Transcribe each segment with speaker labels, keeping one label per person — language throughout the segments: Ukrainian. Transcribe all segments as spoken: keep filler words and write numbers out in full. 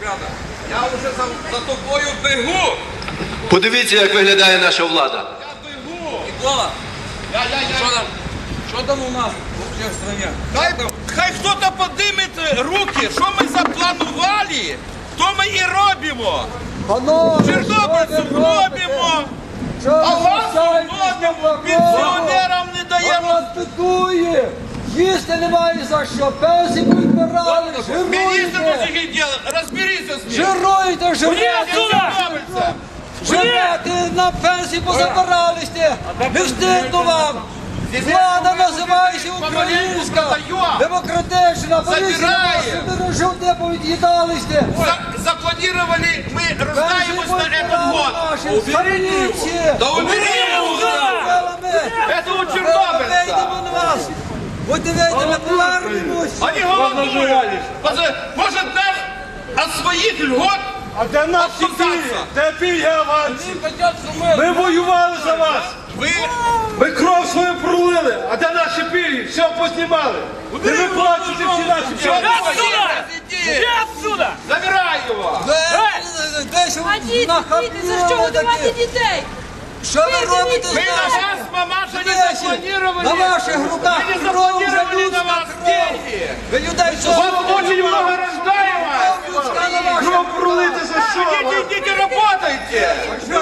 Speaker 1: рада. Я вже за, за тобою бегу.
Speaker 2: Подивіться, як виглядає наша влада.
Speaker 1: Я бегу.
Speaker 3: Микола,
Speaker 1: Я, я, я.
Speaker 3: що там? Що там у нас вообще в стране?
Speaker 1: Хай, хай хто-то підніме руки, що ми запланували, то ми і робимо. Чорнобильців робимо, авансу робимо, пенсіонерам не даємо.
Speaker 4: Нас бедує! Їсти немає за що, пенсії підбирали,
Speaker 1: Міністр
Speaker 4: жируйте!
Speaker 1: таких діл, розберіться з ним.
Speaker 4: Жируйте, жируйте!
Speaker 1: Чорнобильця.
Speaker 4: Живете, на пенсії позабиралися! Не встигну вам! Влада називається українська, демократична, поліція вашу дорожу повід'їдалися!
Speaker 1: За- Запланировали, ми роздаємось на этот год.
Speaker 4: Поліція!
Speaker 1: Да убери его! Это у Чорнобильця.
Speaker 4: Вийдемо на вас! Будьте вийти, ми повернемось!
Speaker 1: Они голодуют. Поз- Может нам от своих льгот
Speaker 5: А де наші пільги?
Speaker 1: отказаться?
Speaker 5: Де пільги авансів?
Speaker 3: Хотят, что мы...
Speaker 5: Ми воювали за вас.
Speaker 1: Вы
Speaker 5: Ми кров свою пролили. А де наші пільги? Все познімали. Не виплачуйте всі наші пільги.
Speaker 1: Иди отсюда! Забирай его!
Speaker 4: Десь
Speaker 6: А діти, діти, за що годувати дітей?
Speaker 4: Що ви робите з
Speaker 1: Мы на
Speaker 4: нашим?
Speaker 1: вас, мамаша, не
Speaker 4: Десять.
Speaker 1: запланировали.
Speaker 4: На ваших руках
Speaker 1: Мы не
Speaker 4: кров
Speaker 1: запланировали
Speaker 4: вже
Speaker 1: на вас
Speaker 4: людська кров.
Speaker 1: деньги.
Speaker 4: Ви людей що
Speaker 1: Вас очень много рождаемых.
Speaker 4: людська на ваших
Speaker 5: Кров пролити за що?
Speaker 1: Идите, идите, работайте.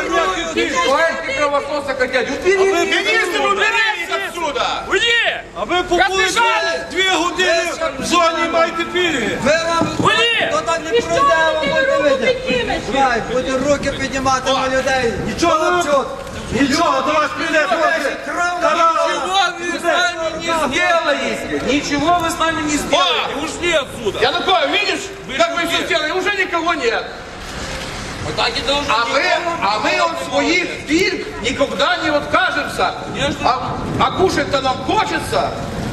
Speaker 3: Давайте кровососа хотят.
Speaker 1: Министр, уберись отсюда.
Speaker 3: Уйди!
Speaker 5: А ви побули
Speaker 3: Розбіжали!
Speaker 5: дві години в зоні і маєте пільги.
Speaker 4: Ви вам
Speaker 3: Уйди!
Speaker 4: хто так не
Speaker 6: І що
Speaker 4: пройде, вам
Speaker 6: ти
Speaker 4: будете
Speaker 6: руку
Speaker 4: видіти.
Speaker 6: піднімеш?
Speaker 4: Давай, буде руки піднімати на людей.
Speaker 5: Нічого
Speaker 4: вам
Speaker 5: не
Speaker 4: чут.
Speaker 5: Нічого, до вас прийде трохи. Карала.
Speaker 3: Ничего вы с нами не сделаете! Ничего вы с нами не сделаете! Ушли отсюда!
Speaker 1: Янукович, видишь, как мы все сделали? Уже никого нет.
Speaker 3: Вот так и должно
Speaker 1: А мы, а мы от своих пильг никогда не откажемся. А, а кушать-то нам хочется.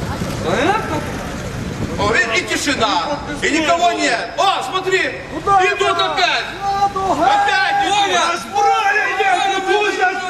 Speaker 1: О, и, и тишина, и никого нет. О, смотри, идут опять. Опять идут.
Speaker 5: Зброя йде, не пусть нас